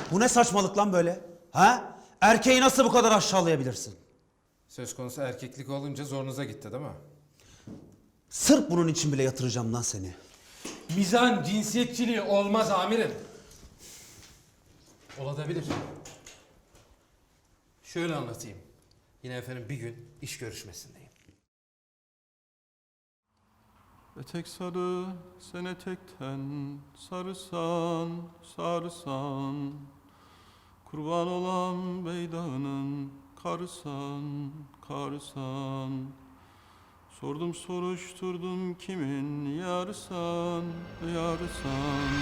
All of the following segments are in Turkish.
Bu ne saçmalık lan böyle? Ha? Erkeği nasıl bu kadar aşağılayabilirsin? Söz konusu erkeklik olunca zorunuza gitti değil mi? Sırf bunun için bile yatıracağım lan seni. Mizan cinsiyetçiliği olmaz amirim. Olabilir. Şöyle anlatayım. Yine efendim bir gün iş görüşmesindeyim. Etek sarı, sen etekten sarısan, sarısan. Kurban olan beydağının karısan, karısan. Sordum soruşturdum kimin yarısan, yarısan.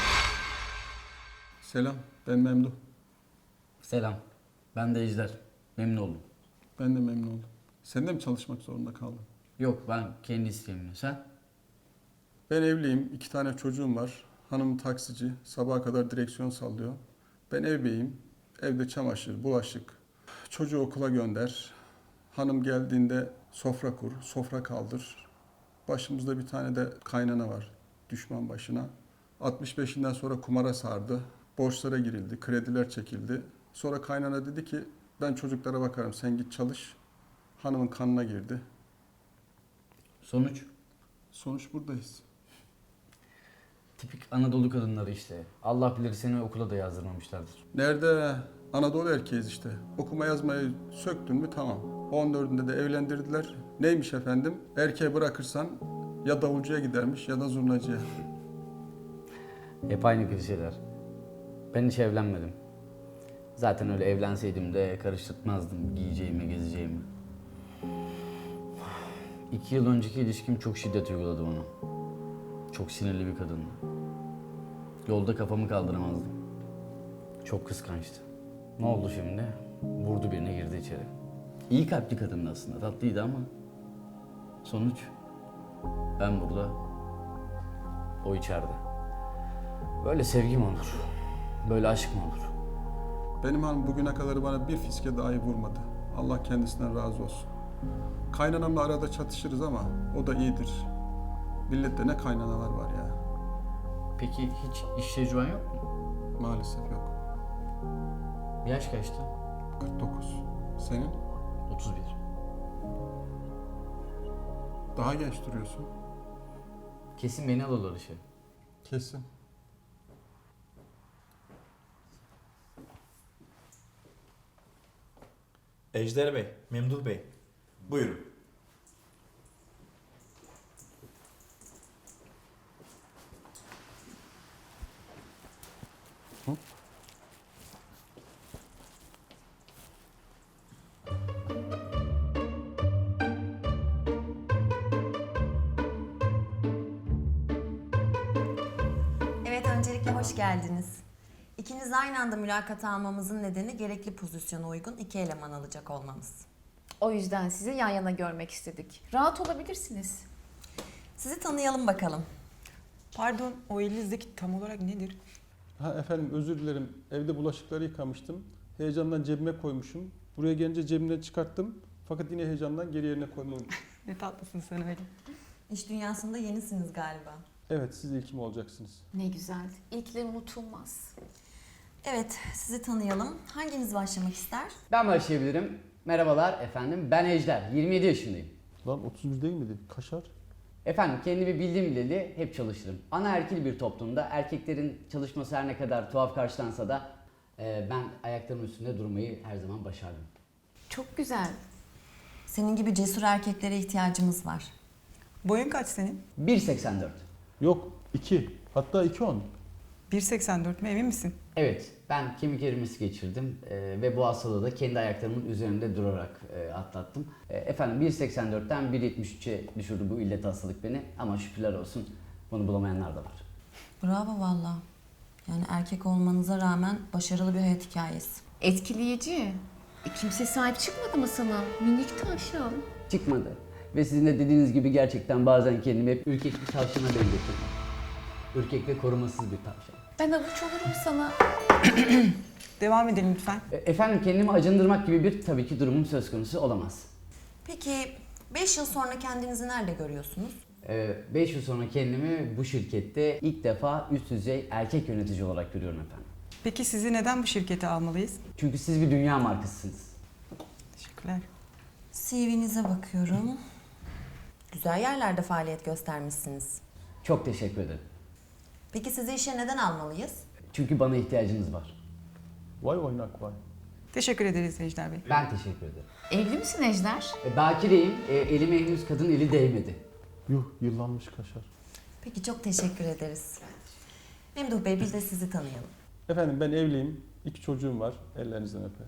Selam, ben Memduh. Selam. Ben de Ejder. Memnun oldum. Ben de memnun oldum. Sen de mi çalışmak zorunda kaldın? Yok, ben kendi isteğimle. Sen? Ben evliyim, 2 tane çocuğum var. Hanım taksici, sabaha kadar direksiyon sallıyor. Ben ev beyim, evde çamaşır, bulaşık. Çocuğu okula gönder. Hanım geldiğinde sofra kur, sofra kaldır. Başımızda bir tane de kaynana var, düşman başına. 65'inden sonra kumara sardı. Borçlara girildi, krediler çekildi. Sonra kaynana dedi ki, ben çocuklara bakarım, sen git çalış. Hanımın kanına girdi. Sonuç? Sonuç buradayız. Tipik Anadolu kadınları işte. Allah bilir seni okula da yazdırmamışlardır. Nerede? Anadolu erkeğiz işte. Okuma yazmayı söktün mü tamam. 14'ünde de evlendirdiler. Neymiş efendim? Erkeği bırakırsan ya davulcuya gidermiş ya da zurnacıya. Hep aynı klişeler. Ben hiç evlenmedim. Zaten öyle evlenseydim de karıştırmazdım giyeceğimi, gezeceğimi. 2 yıl önceki ilişkim çok şiddet uyguladı bana. Çok sinirli bir kadındı. Yolda kafamı kaldıramazdım. Çok kıskançtı. Ne oldu şimdi? Vurdu birine, girdi içeri. İyi kalpli kadındı aslında, tatlıydı ama sonuç ben burada, o içeride. Böyle sevgi mi olur? Böyle aşk mı olur? Benim hanım bugüne kadar bana bir fiske dahi vurmadı. Allah kendisinden razı olsun. Kaynanamla arada çatışırız ama o da iyidir. Millette ne kaynanalar var ya. Peki hiç iş tecrüben yok mu? Maalesef yok. Yaş kaçtı? 49. Senin? 31. Daha genç duruyorsun. Kesin beni alırlar işe. Kesin. Ejder Bey, Memduh Bey. Buyurun. Evet, öncelikle hoş geldiniz. İkiniz aynı anda mülakata almamızın nedeni gerekli pozisyona uygun 2 eleman alacak olmamız. O yüzden sizi yan yana görmek istedik. Rahat olabilirsiniz. Sizi tanıyalım bakalım. Pardon, o elinizdeki tam olarak nedir? Ha efendim özür dilerim. Evde bulaşıkları yıkamıştım. Heyecandan cebime koymuşum. Buraya gelince cebimden çıkarttım. Fakat yine heyecandan geri yerine koymayı unutmuşum. Ne tatlısın sen öyle. İş dünyasında yenisiniz galiba. Evet siz ilkim olacaksınız. Ne güzel. İlkler unutulmaz. Evet, sizi tanıyalım. Hanginiz başlamak ister? Ben başlayabilirim. Merhabalar efendim, ben Ejder, 27 yaşındayım. Lan 31 değil miydi? Kaşar. Efendim kendimi bildim bileli hep çalışırım. Anaerkil bir toplumda erkeklerin çalışması her ne kadar tuhaf karşılansa da ben ayaklarımın üstünde durmayı her zaman başardım. Çok güzel. Senin gibi cesur erkeklere ihtiyacımız var. Boyun kaç senin? 1.84. Yok 2. Hatta 2.10. 1.84 mi, emin misin? Evet, ben kemik erimesi geçirdim ve bu hastalığı da kendi ayaklarımın üzerinde durarak atlattım. Efendim 1.84'ten 1.73'e düşürdü bu illet hastalık beni ama şükürler olsun bunu bulamayanlar da var. Bravo valla. Yani erkek olmanıza rağmen başarılı bir hayat hikayesi. Etkileyici. Kimse sahip çıkmadı mı sana? Minik tavşan. Çıkmadı ve sizin de dediğiniz gibi gerçekten bazen kendimi hep ürkek bir tavşana benzetiyorum. Ürkek ve korumasız bir tavşan. Ben avuç olurum sana. Devam edelim lütfen. Efendim kendimi acındırmak gibi bir tabii ki durumum söz konusu olamaz. Peki 5 yıl sonra kendinizi nerede görüyorsunuz? 5 yıl sonra kendimi bu şirkette ilk defa üst düzey erkek yönetici olarak görüyorum efendim. Peki sizi neden bu şirkete almalıyız? Çünkü siz bir dünya markasısınız. Teşekkürler. CV'nize bakıyorum. Güzel yerlerde faaliyet göstermişsiniz. Çok teşekkür ederim. Peki sizi işe neden almalıyız? Çünkü bana ihtiyacınız var. Vay oynak vay. Teşekkür ederiz Ejder Bey. Ben teşekkür ederim. Evli misin Ejder? Bakireyim. Elime henüz kadın eli değmedi. Yuh yıllanmış kaşar. Peki çok teşekkür ederiz. Memduh Bey biz de sizi tanıyalım. Efendim ben evliyim. 2 çocuğum var. Ellerinizden öper.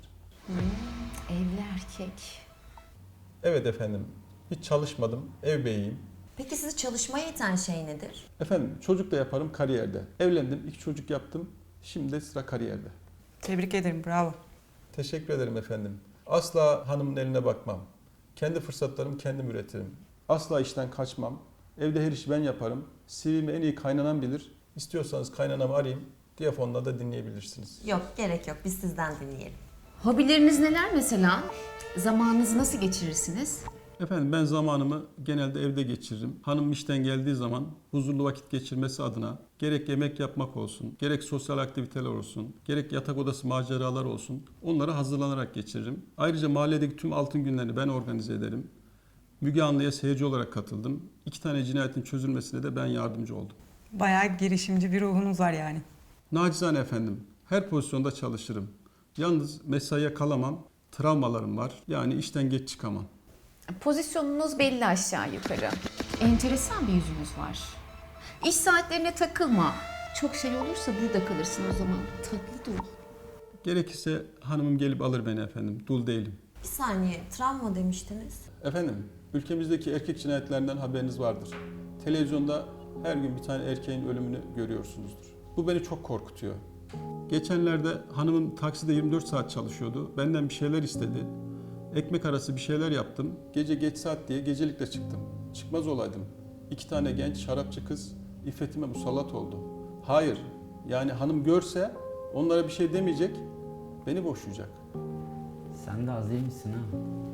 Evli erkek. Evet efendim. Hiç çalışmadım. Ev beyiyim. Peki sizi çalışmaya iten şey nedir? Efendim çocuk da yaparım kariyerde. Evlendim. 2 çocuk yaptım. Şimdi de sıra kariyerde. Tebrik ederim. Bravo. Teşekkür ederim efendim. Asla hanımın eline bakmam. Kendi fırsatlarımı kendim üretirim. Asla işten kaçmam. Evde her işi ben yaparım. CV'mi en iyi kaynanan bilir. İstiyorsanız kaynanamı arayayım. Diyafonla da dinleyebilirsiniz. Yok gerek yok biz sizden dinleyelim. Hobileriniz neler mesela? Zamanınızı nasıl geçirirsiniz? Efendim ben zamanımı genelde evde geçiririm. Hanım işten geldiği zaman huzurlu vakit geçirmesi adına gerek yemek yapmak olsun, gerek sosyal aktiviteler olsun, gerek yatak odası maceralar olsun onlara hazırlanarak geçiririm. Ayrıca mahalledeki tüm altın günlerini ben organize ederim. Müge Anlı'ya seyirci olarak katıldım. 2 tane cinayetin çözülmesine de ben yardımcı oldum. Bayağı girişimci bir ruhunuz var yani. Nacizane efendim, her pozisyonda çalışırım. Yalnız mesaiye kalamam, travmalarım var. Yani işten geç çıkamam. Pozisyonunuz belli aşağı yukarı. Enteresan bir yüzünüz var. İş saatlerine takılma. Çok şey olursa burada kalırsın o zaman. Tatlı dur. Gerekirse hanımım gelip alır beni efendim, dul değilim. Bir saniye travma demiştiniz. Efendim, ülkemizdeki erkek cinayetlerinden haberiniz vardır. Televizyonda her gün bir tane erkeğin ölümünü görüyorsunuzdur. Bu beni çok korkutuyor. Geçenlerde hanımım takside 24 saat çalışıyordu. Benden bir şeyler istedi. Ekmek arası bir şeyler yaptım. Gece geç saat diye gecelikle çıktım. Çıkmaz olaydım. 2 tane genç şarapçı kız iffetime musallat oldu. Hayır, yani hanım görse onlara bir şey demeyecek, beni boşayacak. Sen de az değil misin ha?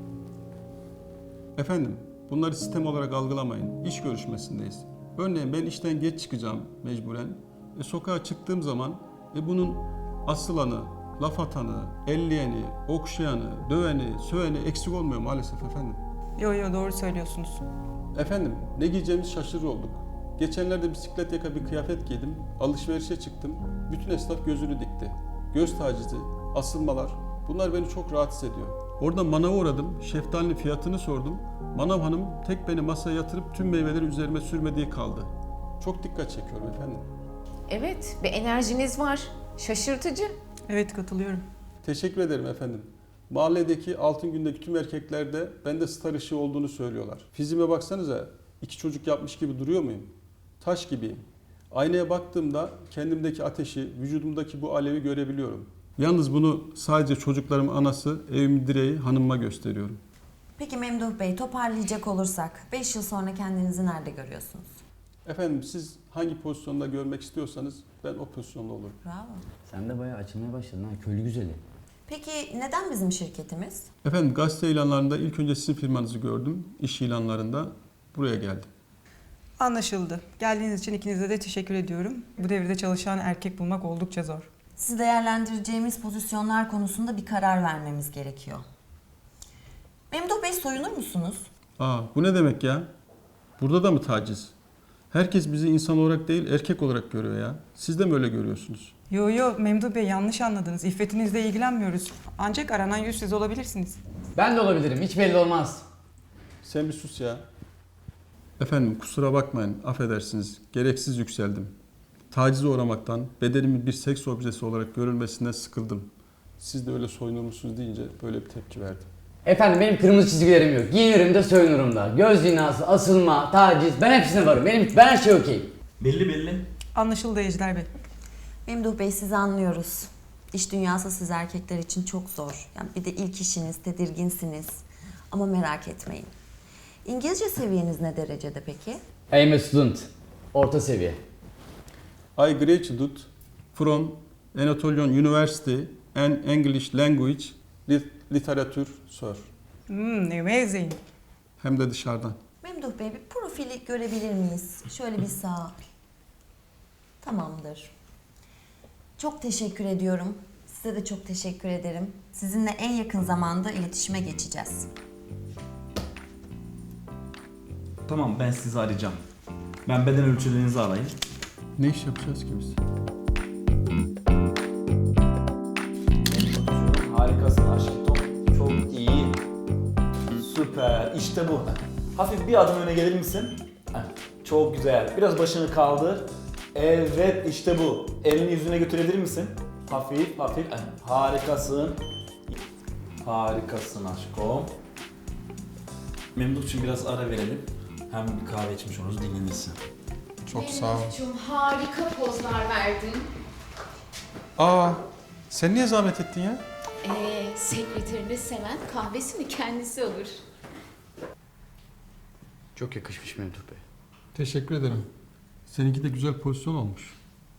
Efendim, bunları sistem olarak algılamayın. İş görüşmesindeyiz. Örneğin ben işten geç çıkacağım mecburen. Sokağa çıktığım zaman bunun asılanı, laf atanı, elleyeni, okşayanı, döveni, söveni eksik olmuyor maalesef efendim. Yo doğru söylüyorsunuz. Efendim, ne giyeceğimizi şaşırır olduk. Geçenlerde bisiklet yaka bir kıyafet giydim, alışverişe çıktım. Bütün esnaf gözünü dikti. Göz tacizi, asılmalar, bunlar beni çok rahatsız ediyor. Orada manava uğradım, şeftalinin fiyatını sordum. Manav hanım tek beni masaya yatırıp tüm meyveleri üzerime sürmediği kaldı. Çok dikkat çekiyorum efendim. Evet, bir enerjiniz var. Şaşırtıcı. Evet katılıyorum. Teşekkür ederim efendim. Mahalledeki altın gündeki tüm erkekler de bende star ışığı olduğunu söylüyorlar. Fiziğime baksanıza, 2 çocuk yapmış gibi duruyor muyum? Taş gibiyim. Aynaya baktığımda kendimdeki ateşi, vücudumdaki bu alevi görebiliyorum. Yalnız bunu sadece çocuklarımın anası, evimin direği hanımıma gösteriyorum. Peki Memduh Bey toparlayacak olursak 5 yıl sonra kendinizi nerede görüyorsunuz? Efendim siz hangi pozisyonda görmek istiyorsanız ben o pozisyonda olurum. Bravo. Sen de bayağı açılmaya başladın ha. Köylü güzeli. Peki neden bizim şirketimiz? Efendim gazete ilanlarında ilk önce sizin firmanızı gördüm. İş ilanlarında buraya geldim. Anlaşıldı. Geldiğiniz için ikinize de teşekkür ediyorum. Bu devirde çalışan erkek bulmak oldukça zor. Sizi değerlendireceğimiz pozisyonlar konusunda bir karar vermemiz gerekiyor. Memduh Bey soyunur musunuz? Bu ne demek ya? Burada da mı taciz? Herkes bizi insan olarak değil erkek olarak görüyor ya. Siz de mi öyle görüyorsunuz? Yo Memduh Bey yanlış anladınız. İffetinizle ilgilenmiyoruz. Ancak aranan yüz siz olabilirsiniz. Ben de olabilirim. Hiç belli olmaz. Sen bir sus ya. Efendim kusura bakmayın, affedersiniz. Gereksiz yükseldim. Tacize uğramaktan, bedenimin bir seks objesi olarak görülmesinden sıkıldım. Siz de öyle soyunur musunuz deyince böyle bir tepki verdim. Efendim benim kırmızı çizgilerim yok. Giyinirim de soyunurum da. Göz zinası, asılma, taciz ben hepsine varım. Ben her şey okey. Belli. Anlaşıldı Ejder Bey. Memduh Bey sizi anlıyoruz. İş dünyası siz erkekler için çok zor. Yani bir de ilk işiniz, tedirginsiniz. Ama merak etmeyin. İngilizce seviyeniz ne derecede peki? I'm a student. Orta seviye. I graduated from Anatolian University and English Language Literature, sir. Amazing. Hem de dışarıdan. Memduh Bey bir profili görebilir miyiz? Şöyle bir sağ. Tamamdır. Çok teşekkür ediyorum. Size de çok teşekkür ederim. Sizinle en yakın zamanda iletişime geçeceğiz. Tamam, ben sizi arayacağım. Ben beden ölçülerinizi alayım. Ne iş yapacağız ki biz? Harikasın aşkım. Çok iyi. Süper. İşte bu. Hafif bir adım öne gelir misin? Heh, çok güzel. Biraz başını kaldır. Evet, işte bu. Elini yüzüne götürebilir misin? Hafif, hafif. Heh, harikasın. Harikasın aşkım. Memduh'cum biraz ara verelim. Hem bir kahve içmiş oluruz, dinlenirsin. Çok sağ ol. Memduhcuğum, harika pozlar verdin. Aa, sen niye zahmet ettin ya? Sekreterini seven kahvesini kendisi alır. Çok yakışmış Memduh Bey. Teşekkür ederim. Seninki de güzel pozisyon olmuş.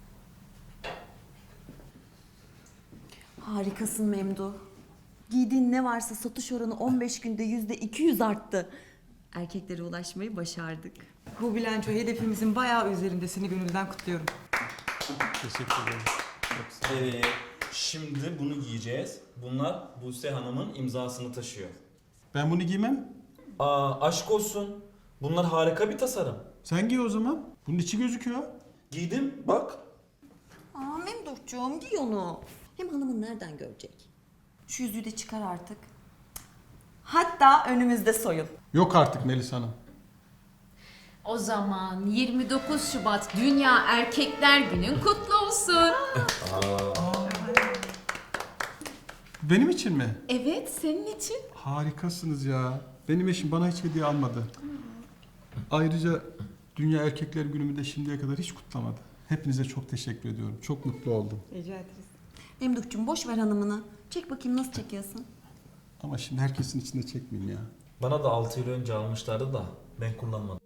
Harikasın Memduh. Giydiğin ne varsa satış oranı 15 günde %200 arttı. Erkeklere ulaşmayı başardık. Bu bilanço hedefimizin bayağı üzerinde. Seni gönülden kutluyorum. Teşekkür ederim. Evet. Şimdi bunu giyeceğiz. Bunlar Buse Hanım'ın imzasını taşıyor. Ben bunu giymem. Aşk olsun. Bunlar harika bir tasarım. Sen giy o zaman. Bunun içi gözüküyor. Giydim, bak. Aa Memduhcuğum giy onu. Hem hanımın nereden görecek? Şu yüzüğü de çıkar artık. Hatta önümüzde soyun. Yok artık Melis Hanım. O zaman 29 Şubat Dünya Erkekler Günün kutlu olsun. Benim için mi? Evet, senin için. Harikasınız ya. Benim eşim bana hiç hediye almadı. Ayrıca Dünya Erkekler Günü'nü de şimdiye kadar hiç kutlamadı. Hepinize çok teşekkür ediyorum. Çok mutlu oldum. Rica ederiz. Memduhcuğum boş ver hanımını. Çek bakayım nasıl çekiyorsun? Ama şimdi herkesin içinde çekmeyeyim ya. Bana da 6 yıl önce almışlardı da ben kullanmadım.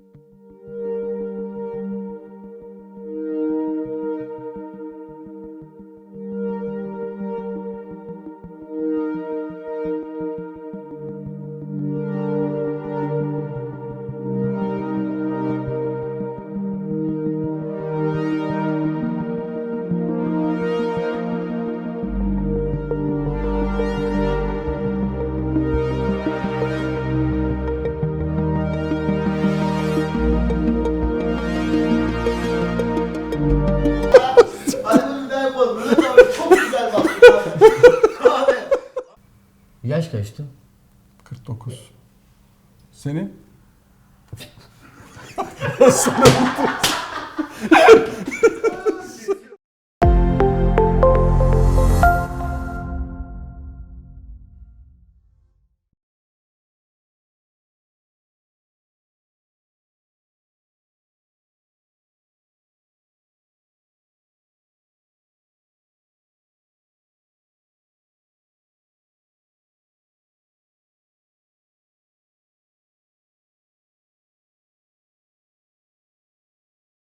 Hadi bir daha yapalım. Mehmet abi çok güzel baktı abi. Yaş kaçtı? 49. Senin?